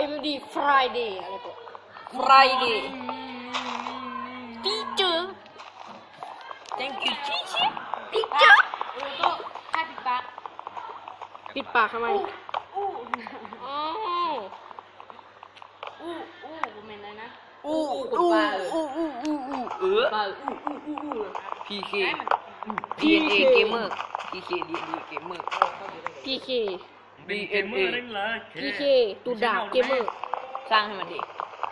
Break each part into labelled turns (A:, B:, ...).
A: MD Friday อะไรก็ Friday Teacher Thank you teacher Teacher
B: ก็ให้ปิดปาก
A: ปิดปากทำไม
B: อู้
A: อ๋อ
B: ผมเห็นเลยนะ
A: อู้
B: ปา
C: PK
B: ให้มัน
C: PNA Gamer PK DND Gamer
A: PK
C: BNA
A: PK ตูดาบเกมเมอร์
C: สร้างให้มันดิ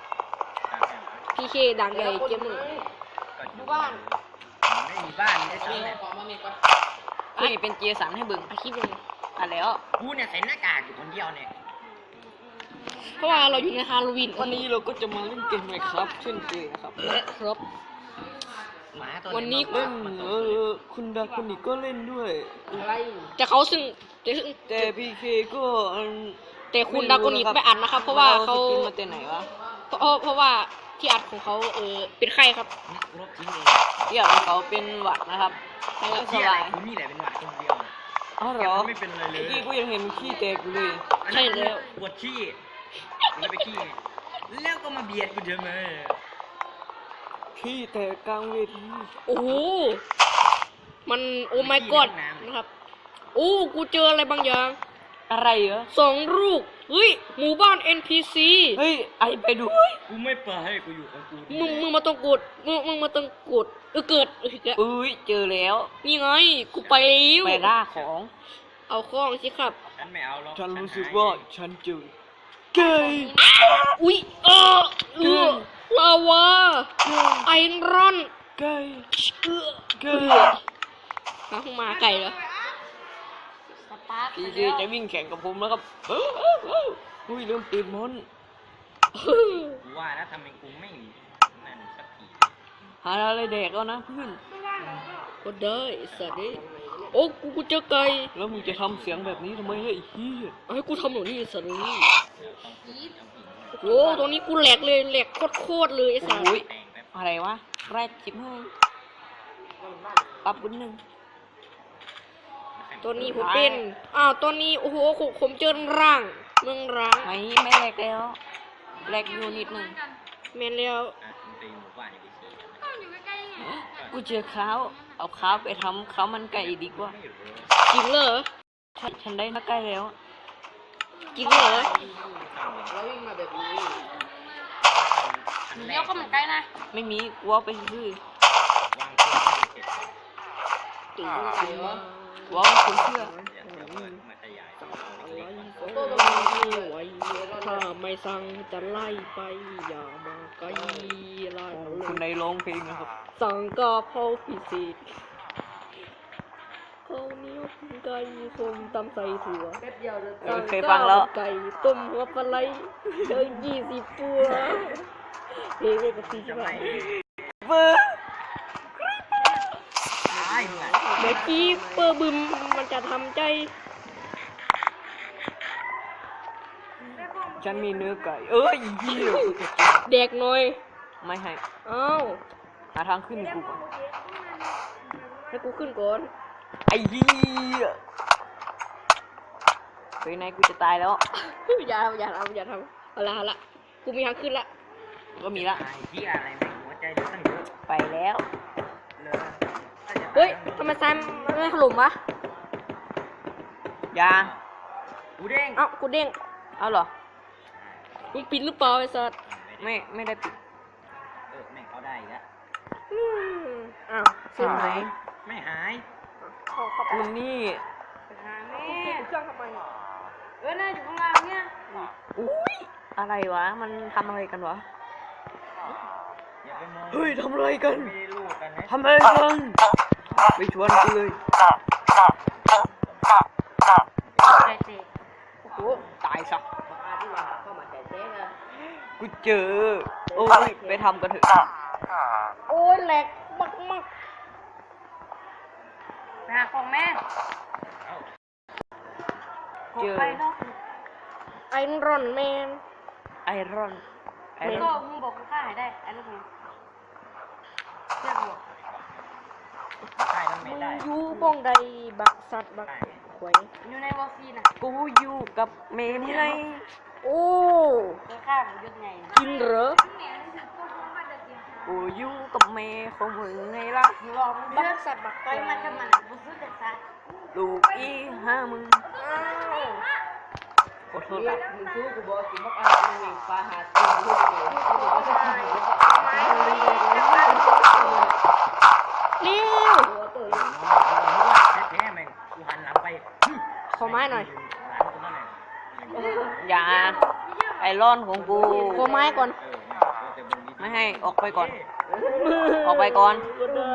A: PK ด่างใหญ่เกมเมอร์
B: ดูบ้าน
D: ไม่มีบ้านได้ซ้ำเนี่ย
C: กูนี่เป็นเจสันให้บึง
A: อาคลิปยังไง
C: อ่ะแล้ว
D: กูเนี่ยใส่หน้ากากอยู่คนเดียวเนี่ย
A: เพราะว่าเราอยู่ในฮาโลวีน
C: วันนี้เราก็จะมาเล่นเกมไหมครับเช่นเคยนะครับ
A: ครับ
D: หมาตัว
A: วันนี้
C: เล่นคุณดาคุนิก็เล่นด้วย
A: แต่เขาซึ่ง
C: แต่ PK ก็
A: แต่คุณดาโกนิกไม่อัดนะครับ เพราะว่าเขา
C: สกินมาแต่ไหนวะ
A: เพราะว่าที่อัดของเขาเป็นไข้ครับ
D: ลบทิ้งเลย
C: เที่ยวของเขาเป็นหวัดนะครับ
A: ใช่ครับ
D: เที่ยอะไรกูนี่แหละเป็นหวัดคนเดียว
C: อ๋อเหรอ
D: ไม่เป็นอะไรเล
C: เมื่อย กี้กูยังเห็นขี้แตกอยู่เลย
A: ใช่แล้ว
D: ปวดขี้กูเลยไปขี้แล้วก็มาเบียดกูเฉยเลย
C: ขี้แตกกลางเวที
A: โอ้โหมันโอ้ my god นะครับโอ้กูเจออะไรบางอย่าง
C: อะไรเหรอ
A: 2 ลูกเฮ้ยหมู่บ้าน NPC
C: เฮ้ยไอไปดู
D: กูไม่ไปให้กูอยู่ของกู
A: มึงมาต้องกดมึงมาต้องกดเกิดอีกแล้ว
C: อุ้ยเจอแล้ว
A: นี่ไงกูไปแล้ว
C: ไปล่าของ
A: เอาข้องสิครับ
D: ฉันไม่เอาหรอก
C: ฉันรู้สึกว่าฉันเจอเกย์
A: อุ้ยลาวาไอรอน
C: เกย์ เก
A: ห
C: ย์
A: มาไก่เหรอ
B: สตาร์ท
C: พีเจจะวิ่งแข่งกับผมแล้วครับอุ้ยเริ่มติดมน
D: กูว่าแล้วทำไมกูไม่นั่นสักที
C: หาอะไรแดกแล้วนะเพื่อน
A: ก็ได้สัตว์นี่โอ้กูเจอไก่
C: แล้วมึงจะทำเสียงแบบนี้ทำไมเนี่ยไอ้เหี้ย
A: เอาให้กูทำหนูนี่สัตว์นี่โอ้ตรงนี้กูแหลกเลยแหลกโคตรเลยไอ้สัตว์
C: โอ้ยอะไรวะแรกจิบให้ปรับบุญหนึ่ง
A: ตัวนี้ผมเป็นตัวนี้โอ้โหผมเจอร่างเมืองร้าง
C: ไม่แรกแล้วแรกอยู่นิดหนึ่ง
A: แม่นแล้ว
D: มันไปหมู่บ้านไปขี่
B: ก็อยู่ใกล้ๆไง
C: กูเจอข้าวเอาข้าวไปทำข้าวมันไก่ดีกว่า
A: จริงเหรอ
C: ฉันได้มาใกล้แล้ว
A: จริงเหรอ
B: เดี๋ยวก็เหมือนใกล้นะ
C: ไม่มีกูเอาไปซื้อ
D: วางตัวเสร็จ
A: ตื่นมา
C: กูเอาไปซื้อเสื้อ
D: เดี๋ยวมาขยายเล็ก
A: ไว้ถ้าไม่สั่งจะไล่ไปอย่ามาไกลไล่
C: คุณในร้องเพลงนะครับ
A: สั่งกะเพราพิเศษข้าวเหนียวไก่ส้มตำใส่ถั่ว
C: เคยฟังแล้ว
A: ไก่ต้มหัวปลาไหลเดิน20 ตัวเพลงเอกสีใช่ไหม
C: เบอร์
D: ตายมึงอ่ะ
A: เมื่อกี้เปอร์บึมมันจะทำใจ
C: ฉันมีเนื้อไก่เอ้ยเหี้ย
A: แดกหน่อย
C: ไม่ให้
A: เอ้า
C: หาทางขึ้นกูก่อน
A: ให้กูขึ้นก่อน
C: ไอ้เหี้ยเฮ้ยนายกูจะตายแล้ว
A: อย่าทำเอาละกูมีทางขึ้นละ
C: ก็มีละ
D: ไอ้ที่อะไรไม่หัวใจเดี๋ยวตั้งเยอะ
C: ไปแล้ว
D: เลย
A: เฮ้ยทำไมซ้ายมันไม่ถล่มวะ
C: ยา
D: กูเด้ง
A: เอ้ากูเด้ง
C: เอาเหรอ
A: มึงปิดหรือเปล่าไอ้สัส
C: ไม่ได้ปิด
D: แม่งเขาได้อีกแล้ว
A: อ้าวเสียงไหน
D: ไม่หาย
A: เข้าไป
C: คุณนี่
B: หาแม่
A: เครื่องทำไม
B: น่าอยู่ข้างล่างเนี่ย
C: อุ้ยอะไรวะมันทำอะไรกันวะ
D: อย่าไปมอง
C: เฮ้ยทำอะไรกัน
D: ไม่ได้ลูกกันนะ
C: ทำอะไรกันไปชวนกูเลย
B: ใจเตะ
C: โอ้โหตายซะ
A: เข้ามาใจเต้เลย
C: กูเจอโอ้ยไปทำกันเถอะ
A: โอ้ยแหลกมาก
B: ไปหาของแม่
C: เจอ
B: ไปเนาะ
A: ไอรอนแมน
C: ไอรอน
B: ก็มึงบอกกูฆ่าให้ได้ไอ้ลูกมึงเชื่อกู
D: ใช่แล้ว
A: มึ
D: ไม่
A: ง
D: ได้
A: อยู่บ้องใดบักสัตว์บักหวย
B: อยู่ในวอลฟีนะ
C: กูอยู่กับเมนไง
A: โอ้
B: คือข้าของยุทธไง
A: กินเหรอ
C: กูอยู่กับแม่ของมึงไงล่ะ
B: ลองเลือกสัตว์บักไก่มาทำมันบุษเด็กสัตว์
C: ลูกอีห้ามึงขอโทษละ
A: มึงซื้อกูบอกกินมะพร้าวมึงเองปลาหาตีนลูกเองกูบอกว่าจะกินหรือเปล่าเร็ว
D: แท้ๆแม่งกูหันหลังไป
A: ขอไม้หน่อย
D: หลานกูนั่นแหละ
C: อย่าไอรอนของกู
A: ขอไม้ก่อน
C: ไม่ให้ออกไปก่อน ออกไปก่อน
A: ก็ได้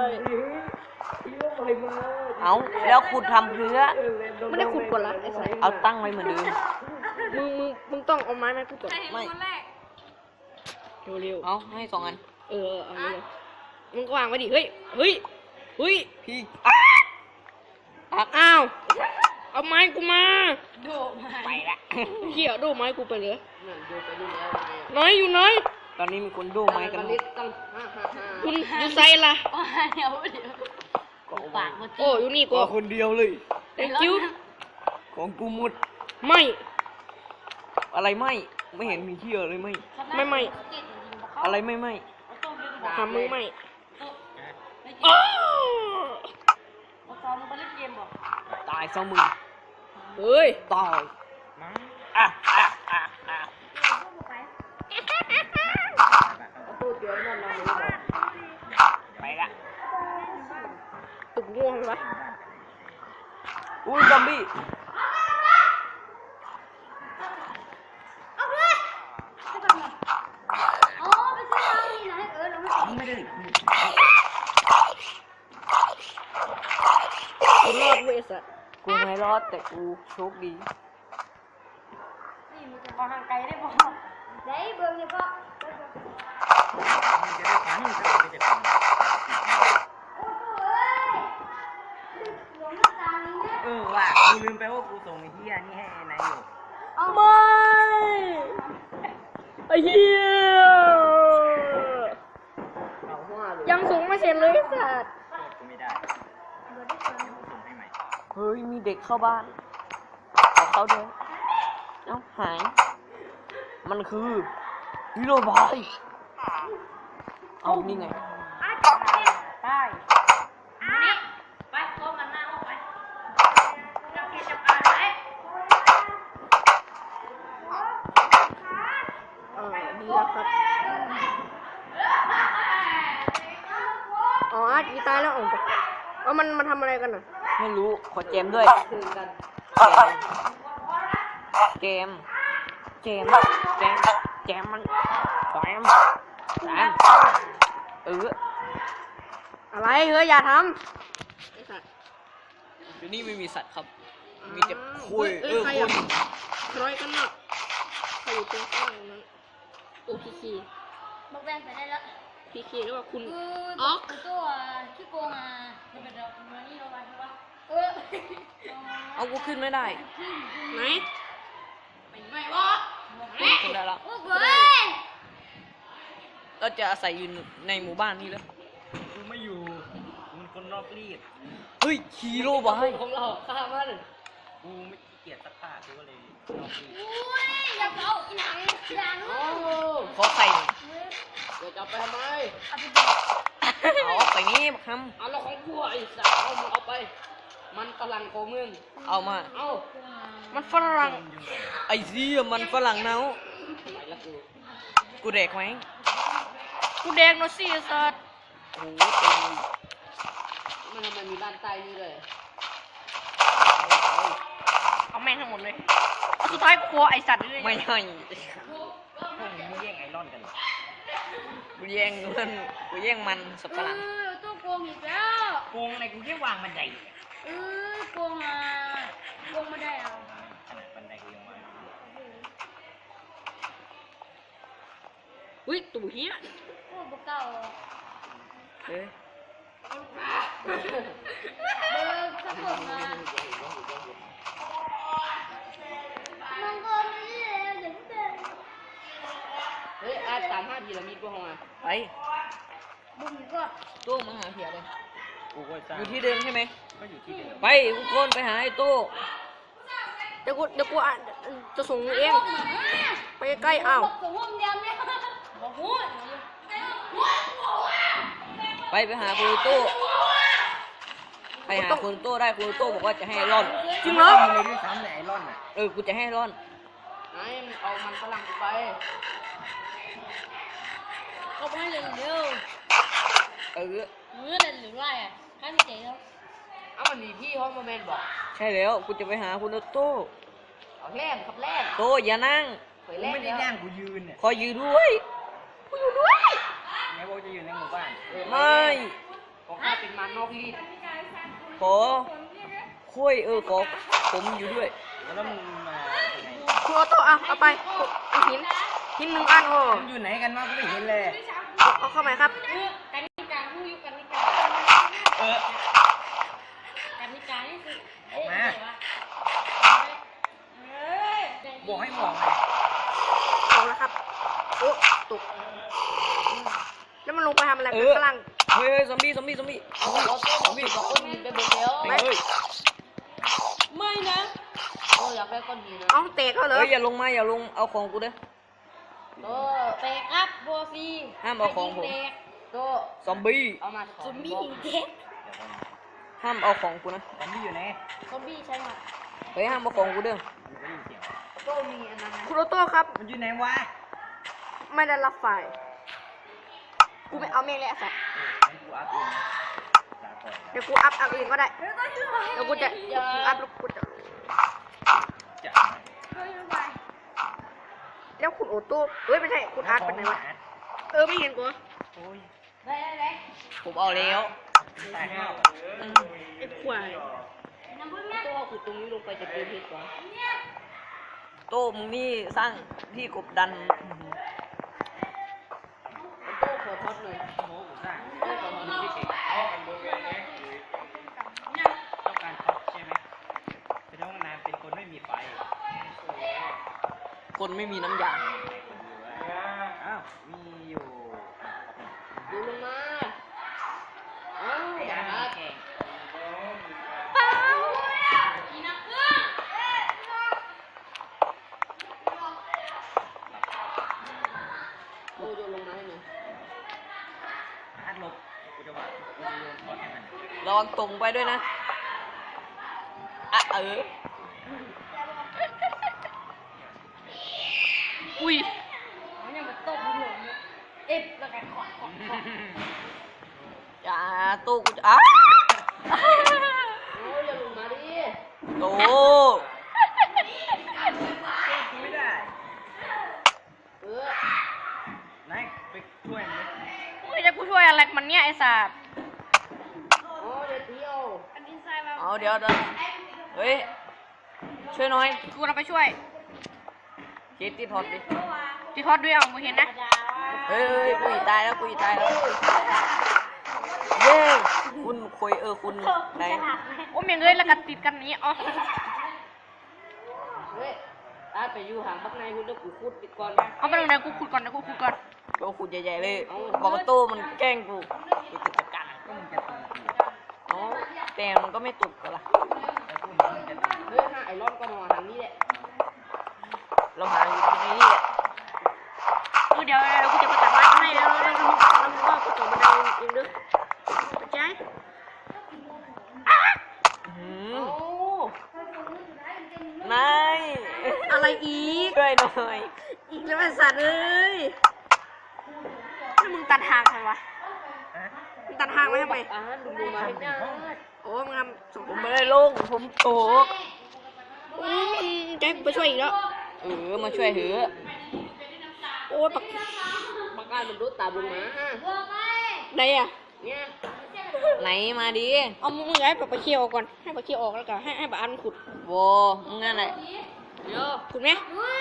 C: เอาแล้วขุดทำเพื่อ
A: ไม่ได้ขุดก่อนละไอ้สาย
C: เอาตั้งไว้เหมือนเดิม
A: มึงต้องเอาไม้มาขุดก่อน
C: ไม่
A: เร็ว
C: เอาให้2 อัน
A: ๆเอาเลยมึงก็วางไว้ดิเฮ้ยเฮ้ย
C: พี่
A: อ้าวเอาไม้กูมา
C: ไปละ
A: เขี่ยดูไม้กูไปเลยน้อยอยู่น้อย
C: ตอนนี้มีคนดูไม้กันหมด
A: คุณอยู่ไซล่ะ
B: เดี๋ยว
C: ก็เอา
B: ปา
C: ไว้
B: กมัน
A: โอ้อยู่นี่
C: ก็
A: ก็
C: คนเดียวเลย
A: thank you
C: ของกูหมด
A: ไม่
C: อะไรไม่เห็นมีเที่ยวเลยไม่ อะไรไม่
A: หามึงไม่
B: อ้า
A: อ้าว
B: ซ้อมมึงไปเล่นเกมบอก
C: ตายซะมึง
A: เฮ้ย
C: ตาย
D: มั้ง
C: อ่ะ ไปละ
A: ตึกง่วงไหมวะ
C: อุ้ยซอมบี้
B: อ๋อไปซื้อมานี่นะเราไม่
D: ไม่ได้
A: คุณรอดเว้ยสัตว์
C: กูไม่รอดแต่กูโชคดี
B: นี่มันจะมาทางไกลได้บอกได้เบิ่งเนี่ยพ่อ
D: มันจะได้ฟังจะไปจะฟัง ว่ากูลืมไปว่ากูส่งไอ้เหี้ยนี่ให้นายอยู่
A: ไม่ไอ้เหี้ยยังส่งไม่เสร็จเลยสัตว์
D: โทษกูไม่ได้เดี๋ยวกูส่งให้ใหม่
C: เฮ้ยมีเด็กเข้าบ้านขอเข้าด้วยเอ้าหาย มันคือฮีโร่บายเอานี่ไง
B: ได้นี่ไปพร้อมกันหน้าออกไปจับกิจการไหม
A: นี่แหละครับอ๋ออาร์ตกีตายแล้วอ๋อมันทำอะไรกันอ่ะ
C: ไม่รู้ขอเจมด้วย
A: คือกัน
C: เจมมันแจม
A: อะไรเฮ้ยอย่าทำไอ้สัตว์
C: เดี๋ยวนี้ไม่มีสัตว์ครับ มีแต่
A: อ้าว
C: คุย
A: เอ้ยใคร
C: คุ
A: อ่ะ
C: ย
A: ใครกันน่ะใครอยู่ตรงข้างนั้นโอ้พีคี
B: บอกแบงไปได้แล้ว
A: พีคีหรือว่าคุณ
B: คือตัวขี้โกงอ่ะมันเป็นมันนี่เราไปใช่ปะ
C: เอากูขึ้นไม่ได้
A: ไหน
B: ไม่วะ
C: ขึ้นได้แล้ว
B: โอ้เว้ย
C: เราจะอาศัยอยู่ในหมู่บ้านนี้แล้ว
D: กูไม่อยู่กูเป็นคนรอบรีบ
C: เฮ้ยฮีโร่บาย
A: ของเราข้ามัน
D: กูไม่ขี้เกียจซักผ้ากูก็เลยรอบรีบ
B: อุ้ยอย่าเอาอีหนังอย่า
A: โอ้
C: ขอไข่หน่อย
A: เดี๋ยวจะเอาไปทำไม
C: เอาออกไปนี่บักค
A: เอาเราของกูไอ้สัตว์เอามึงเอาไป มันฝรั่งของมึง
C: ำเอามา
A: เอามันฝรั่ง
C: ไอ้เหี้ยมันฝรั่งเนา
A: ไปละกู
C: กูเด็กไหม
A: กูแดงเนาะสิไอ้สัตว์
C: โอ้โหเต็มเลย
A: มันทำไมมีด้านใต้นี่เลยเอาแม่งทั้งหมดเลยสุดท้ายกลัวไอ้สัตว์เลย
C: ไม่ให้
D: พวกมึงแย่งไอรอนกันเหรอ
C: กูแย่งมันสับฝรั่ง
B: ตัวโกงอีกแล้ว
D: โกงอะไรกูแค่วางบันได
B: โกงอ่ะโกงไม่ได้เอา
D: ขนาดบันไดกูยังวาง
A: อุ้ยตู่เฮีย
B: โอ้บุกเก่า
C: เอ้ย
B: สักคนมาน้องก็ไม่ได้เดี๋ยวเดิน
A: เฮ้ยอาตาม5พีระมิดกูห้องอ่ะ
C: ไป
B: บุกก็
C: ตู้มาหาเพียเลย
D: กูก็สร้าง
C: อยู่ที่เดิมใช่ไหม
D: ก็อยู่ที่เดิม
C: ไปทุกคนไปหาไอ้ตู้
A: เดี๋ยวกูจะส่งมึงเอง
B: เ
A: ไปใกล้อ้าว
C: ไปหาคุณโต้ไปหาคุณโต้ได้คุณโต้บอกว่าจะให้ร่อน
A: จริงเหรอ
D: เลยด้วยซ้ำแต่ไอรอนอ่ะ
C: กูจะให้ร่อน
A: ไอ้มันเอามันฝรั่งไป
B: เอาไปเลยเร็ว
C: เออ
B: มือเดินหรือไรอ่ะให้พี่เจ๋แล้ว
A: เอามันมีพี่เขามาแมนบอก
C: ใช่แล้วกูจะไปหาคุณโต้
A: เอาแล่นครับแล่น
C: โต้อย่านั่ง
A: เค
D: กู
A: ยแล่น
D: ไม่ได้
A: แล้ว
D: ย่างกูยืนเนี่ย
C: ขอยืนด้วย
D: แม้ว่าจะอยู่ในหมู่บ้าน
C: ไม่
A: ของข้าเป็นมันนอกรีด
C: ขอคุยขอผมอยู่ด้วย
D: แล้วมึงมาจากไหน
A: คุณโอโต้เอาไปเอาหินหนึ่งอันโอ้
D: มึงอยู่ไหนกันวะกูไม่เห็นเลย
A: เอาเข้ามาครับ
B: กันนิการผู้อยู่กันนิกา
D: เออ
B: กันนิการนี่คือ
D: ออกมา
B: เฮ้ย
D: บอกให้บอกไง
A: เอาแล้วครับโอ้ตกแล้วมันลงไปทำอะไรกันฝรั่ง
C: เฮ้ยซอมบี้
A: เอาโอโต้ของพี่บอกก้อนหินไปเบิดแล้ว
C: เฮ้ย
B: ไม่นะ
A: โอ้อยากได้ก้อนหินนะเอาเตะเขาเลย
C: อย่าลงเอาของกูเด้อ
A: โต้
B: เตะครับโบซี
C: ห้ามเอาของผม
A: โต้
C: ซอมบี้
A: เอามา
B: ซอมบี้เด็ก
D: เดี๋ยวก่อน
C: ห้ามเอาของกูนะ
D: ซอมบี้อยู่ไหน
B: ซอมบี้ใช่ไหม
C: เฮ้ยห้ามเอาของกูเด้อ
D: มันก็ได้ยินเสียง
A: โต้มีอันนั้นคุณโอโต้ครับ
D: มันอยู่ไหนวะ
A: ไม่ได้รับไฟกูไม่เอาเมฆเลยสัตว์
D: งั้นกูอัพเองนะลาก่อน
A: เดี๋ยวกูอัพเองก็ได้เดี๋ยวกูจะอัพแล้วกูจะ
D: จะ
A: แล้วคุณโอโต้เอ้ยไม่ใช่คุณอาร์ตเป็นไงวะไม่เห็นกู
D: โอ้ย
B: ได้
C: ผมเอาแล้ว
D: ตายแล้ว
A: ไอ้ควาย
B: น้ำพึ่งนะ
A: โต้เอาขุดตรงนี้ลงไปจะเจอเพชรวะ
C: โต้มึงนี่สร้างที่กบดัน
A: โต้ขอทอดหน่อย
D: โม้กูสร้าง
A: โต้ขอทอดหน่อย
D: พี่เก่งต้องการท็อปใช่ไหมเป็นห้องน้ำเป็นคนไม่มีไฟ
C: คนไม่มีน้ำยา
D: อ้าวมีอยู่
A: ดูลงมาเอ้า
D: ไอ้
A: อย่า
D: อา
A: ฮัด
D: เก่ง
B: กินน้ำพึ่ง
A: โต้โยนลงมาให้หน่อย
D: ฮัดลบกูจะว่ากูจะโยนท็อปให้มัน
C: ระวังตรงไปด้วยนะอ่ะอุ้ย
B: มันยังมาตบหัวเนี่ยเอฟแล้วกันขอด
C: อย่าตู้กูจะ
A: โอ้อย่าลงมาดิ
C: โต
D: ไม่ได้
A: เออ
D: นายไปช่วยมันดิ
B: ไม่จะกูช่วยอะไรมันเนี่ยไอ้สัตว์
A: โอ้เดี๋ยวเที่ยว
B: อันนี้ใส่มา
C: เอาเดี๋ยวเฮ้ยช่วยหน่อย
B: กูเราไปช่วย
C: คิดที่ถอดดิ
B: ที่ทอดด้วยเอามึงเห็นนะ
C: เฮ้ยกูอีตายแล้วเย้คุณคุยคุณไหน
B: โอ้เมียงเอ้ยแล้วกันติดกันนี้อ๋อ
A: เฮ้ยอาร์ตไปอยู่ห่างบักในคุณแล้วกูขุดปิดก่อน
B: เอาไปตรงไหนกูขุดก่อนนะกูขุดก่อน
C: โตคุณใหญ่ๆเลยบอกว่าโต้มันแกล้งกูจะจัดการ
D: ก็มึงจะตีกู
C: อ๋อแต่มันก็ไม่ตุกกันละ
D: แต่กูเห็นมึงจะตี
A: เฮ้ยหาไอ้รอนก็นอนทางนี้แหละ
C: เราหาอยู่ที่นี่แหละ
B: เดี๋ยวกูจะไปตัดไม้ให้แล้ว
A: แล้วมึงก็กูต่อบันไดเองเด้อเข้าใจ
C: หื
A: โอ้
C: นาย
A: อะไรอีก
C: ช่วยหน่อย
A: อีกแล้วไอ้สัตว์เอ้ย
B: ถ้ามึงตัดทางใครวะ
D: ฮะ
A: มึงตัดทางไว้ทำไมดูมาให้ได้โอ้มึงทำสม
C: ผมไม่ได้ลงผมตก
A: ใจกูไปช่วยอีกแล้ว
C: มาช่วยเถอะ
A: โอ้ปักงานมันรถตามลงมาไหนอ่ะเนี่ย
C: ไหนมาดิ
A: เอามึงย้ายไปเคี่ยวก่อนให้ไปเคี่ยวออกแล้วก็ให้ปะอันขุด
C: โวมึงนั่นแหละ
A: เดี๋ยวขุดไหม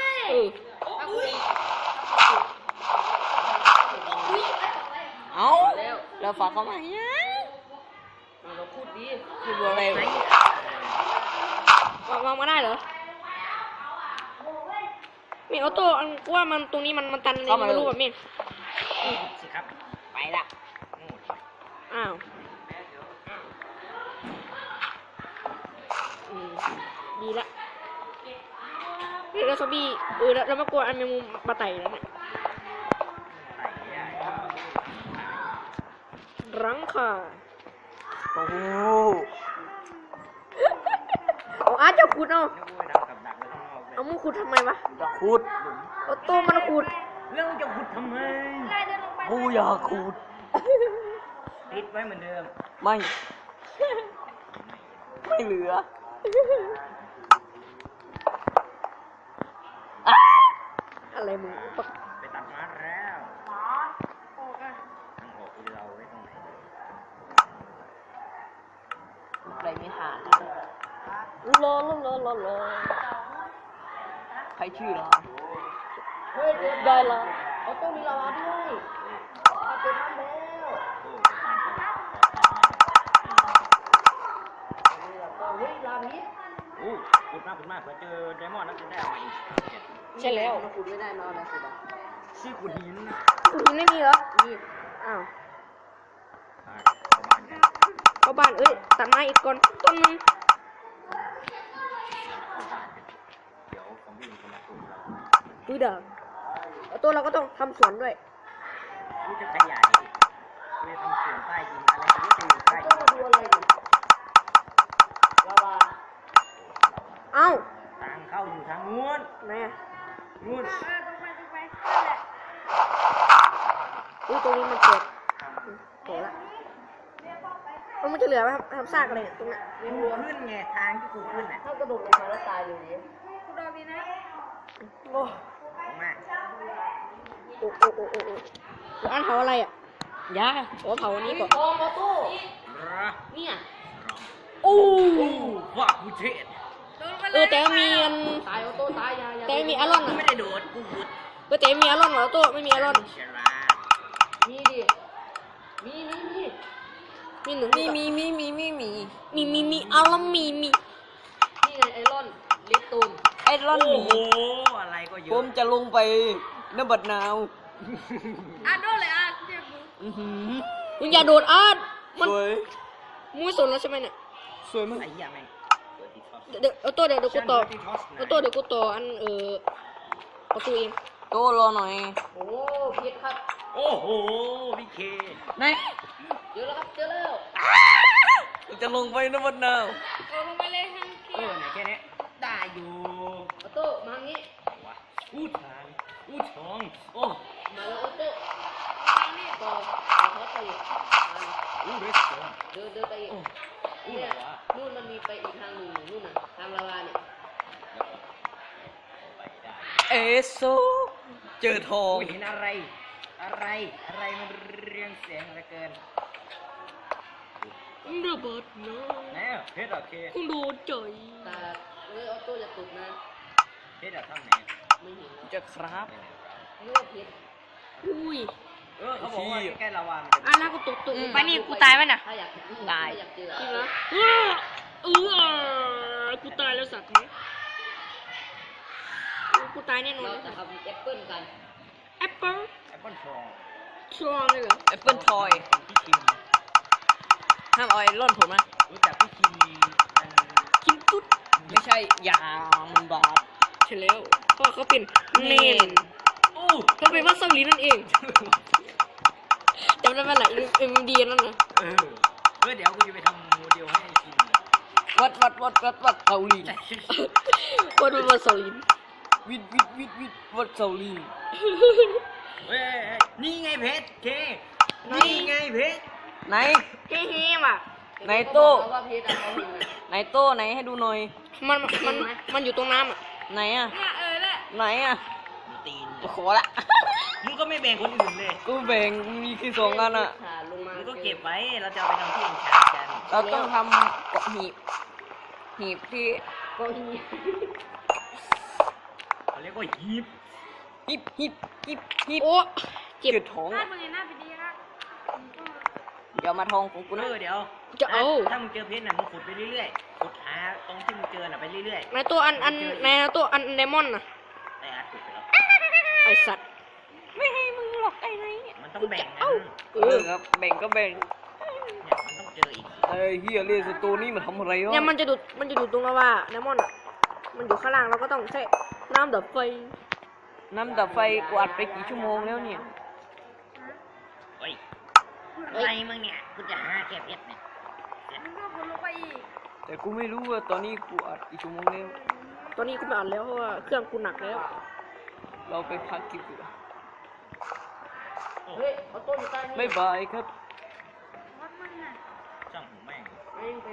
C: เอาเราฝากเขามายัง
A: เราขุดดี
C: คืออะไร
A: วางมาได้เหรอเมฆออโต้อันว่ามันตรงนี้มันตันเลยไม่รู้แบบเมฆ
D: สิครับ
C: ไปละ
A: อ้าวดีละเดี๋ยวเราซอมบี้แล้วมากลัวอันแมงมุมมาไต่แล้วเนี่ย
D: ไต่ไม่ได้
A: รังค่ะ
C: โอ้โห
A: เอาอาร์ตจะขุดเอา
D: นึกว่าทำกับดักไว้ข้างนอกเลย
A: เอามึงขุดทำไมวะ
C: อยากขุด
A: เอาตัวมันขุด
D: แล้วมึงจะขุดทำไม
B: ได้เดินลงไป
C: กูอยากขุด
D: ติดไว้เหมือนเดิม
C: ไม่ ไม่เหลือ
A: อะไรมึงปะ
D: ไปตัดไม้แล้ว
B: หมอโอ้กัน
D: ทางออกเราไว้ตรงไหน
C: อะไรไม่หาลอใครชื่อเหรอ
A: เฮ้ยได้ละเอาตัวมีลาวาด้วยเอาตัวน้ำแล้ว
D: โอ้
A: เฮ้ยลานี้
D: โอ้ขุดมากเผื่อเจอไดมอนด์แล้วจะได้เอามาอีก7
A: ใช่แล้ว
C: ขุดไม่ได้นอนนะสิบะ
D: ชื่อขุดหิน
A: กูหินไม่มีเหรอมีอ้าว
D: เข้าบ้านกัน
A: เข้าบ้านตัดไม้อีกก่อนต้นนึง
D: เข้าบ้านกันเดี๋ยวซอมบี้มันจะมาขุดเรา
A: เด้อเอาตัวเราก็ต้องทำสวนด้วย
D: กูจะขยายกูจะทำสวนใต้ดินอะไรก็ไม่จะอยู่ใต้ดิน
C: ลาบา
A: เอ้า
D: ทางเข้าอยู่ทางนู้น
A: ไหนอะ
D: นู้น
B: ตรงไปนั่นแหละ
A: ตรงนี้มันเปิดโหละมันจะเหลือไหมครับทำซากอะไรเนี่ยตรงนั้น
D: กูขึ้นไงทางที่กูขึ้นน่ะ
C: ถ้ากระโดดลงมาแล้วตายเลยดิ
B: กูโดนดีนะ
C: โอ้
D: ลงมา
A: โอ้อันเผาอะไรอ่ะ
C: ยา
A: โอ้เผาอันนี้ก่อน
C: ทองออโต้
A: เนี่ย
C: โอ้
D: โอ้ว่ากูเทศ
B: โดนไปเลย
A: แต่มีอัน
C: ตายออโต้ตายยา
A: แต่มีอารอน
D: กู
A: อ่ะ
D: ไม่ได้โดดกูขุด
A: แต่มีอารอนเหรอตัวไม่มีอารอน
D: ฉลาด
C: มีดิ มี
A: มีหนึ่ง
C: มี
A: อารอนมี
C: นี่ไงไอรอนเลปตูนไอรอน
D: โอ้โหอะไรก็เย
C: ผ
D: อะ
C: มจะลงไปนบัดนาว
B: อ่ะโดนเลยอ่ะเจ็บมือ
A: มึงอย่าโดดอาร์ตมัน
C: สวย
A: มึงไม่สนแล้วใช่ไหมเนี่ย
C: สวยมาก
D: ไอ้เหี้ยแม่งเปิดติ๊กต็อก
A: เดี๋ยวเอาตัวเดี๋ยวกูต่อเอาตัวเดี๋ยวกูต่ออันประตูเอง
C: โตรอหน่อย โอ้พิษครับ
D: โอ้โหพี่เค
C: ไหนเจอแล้วครับ เจอแล้วจะลงไปนบัดนาว
B: โดนลงไปเลยทั้งเขียว
D: ไหนแค่นี้ได้อยู่
C: ออโต้มางี้
D: วะอู้ทางอู้ทองโอ้
C: มาแล้วออโต้
B: นี่
C: ต่อเขาไปอีก
D: อู้เรสโตน
C: เดินไปอีก
D: อู้
C: เนี่
D: อะ
C: ย
D: ไรวะ
C: นู่นมันมีไปอีกทางหนึ่งนู่นน่ะทางลาวาเนี่ย
D: ไปได้
C: เอโซเจอทอง
D: กูเห็นอะไร อะไรมันเรียงเสียงเหลือเกิน
A: ระเบิดนะ
D: แน่เพชรโอเค
A: คงโดนใจ
C: แต่ออโต้จะตกนะ
D: เพชรทำไหน
C: ไม่เห็นจะครับ
D: ไปไหนวะ
C: เลือดพิษ
A: อุ้ย
D: เขาบอกว่าใกล้ๆลาวามันจะ
A: อันนั้นกูตกลงไปนี่กู
B: ตายไหมน่ะ
C: ถ้าอยากเจอ
A: ตาย
C: ถ้อยากเจอ
A: จริงนะกูตายแล้วสัตว์นี้กูตายแน่นอน
C: เราจะทำแอปเปิ้ลกัน
A: แอปเปิ้ล
D: แอปเปิลทอง
A: ทรองเลยเหรอ
C: แอปเปิ้ลทอย
D: พี่คิม
C: ห้ามเอาไอ้ร่อนผมนะ
D: รู้จักพี่คิมอัน
A: คิมตุ๊ด
C: ไม่ใช่ยามันบาป
A: ใช่แล้วเพราะเขาเป็นเนน
D: โอ้
A: เขาเป็นว่าเซาหลีนั่นเองจำได้ไหมล่ะเอ็มดีนั่นนะ
D: เดี๋ยวกูจะไปทำโมเดลให้คิม
C: วัดเกาหลี
A: คนเป็นว่าเซาหลี
C: วิดวัดเกาหลี
D: เฮ้ยนี่ไงเพชรเคนี่ไงเพชร
C: ไหน
A: เฮ้ยว่ะ
C: ไหนโต้ไหนโต้ไหนให้ดูหน่อย
A: มันอยู่ตรงน้ำอ่ะ
C: ไหนอ่ะ
B: เนี่ยแหละ
C: ไหนอ่ะ
D: มีตีน
C: ขอละ
D: มึงก็ไม่แบ่งคนอื่นเลย
C: กูแบ่งมีแค่สองอันอ่ะ
D: มึงก็เก็บไว้ เราจะเอาไปทำที่เอ็นชาร์กัน
C: เราต้องทำเกาะหีบที่เกาะหีบ
D: เขาเรียกว่าฮีบ
C: หีบ
A: โอ้เจ็บ
C: เกิดท้อง
B: หน้าเป็นไงหน้าเป็นดีนะ
C: เดี๋ยวมาทองของกูนะ
D: เดี๋ยว
A: จะเอา
D: ถ้ามึงเจอเพชรน่ะมึงขุดไปเรื่อยๆขุดหาตรงที่มึงเจอน่ะไปเรื่อย
A: ในตัวในตัวอันไดมอนด์น่ะ
D: ๆแต่อาจขุดไปแล้ว
A: ไอสัตว์
C: ไม่ให้มึงหรอกไอ้ไหน
D: มันต้องแบ่งนะ
C: ครับแบ่งก็แบ่ง
D: เนี่ยมันต้องเจออีก
C: ไอ้เฮียเรียกสตูนี่มาทำอะไรวะ
A: เนี่ยมันจะดูดตรงลาวาไดมอนด์อ่ะมันอยู่ข้างล่างเราก็ต้องใช้น้ำดับไฟ
C: น้ำดับไฟกวาดไปกี่ชั่วโมงแล้วเนี่ย
D: เฮ้ยอะไรมึงเนี่ยกูจะหาแก้เพชรเนี่ย
B: มึงก็คนลงไปอีก
C: แต่กูไม่รู้ว่าตอนนี้กูอัดกี่ชั่วโมงแล้ว
A: ตอนนี้กูไม่อ่านแล้วเพราะว่าเครื่องกูหนักแล้ว
C: เราไปพักกินดีกว่า
A: เฮ้ยเอาต้นอยู่ใต้นี่
C: บ๊ายบายครับ
B: วัดมันน่ะ
D: ช่างหูแม่ง
A: แม่งไป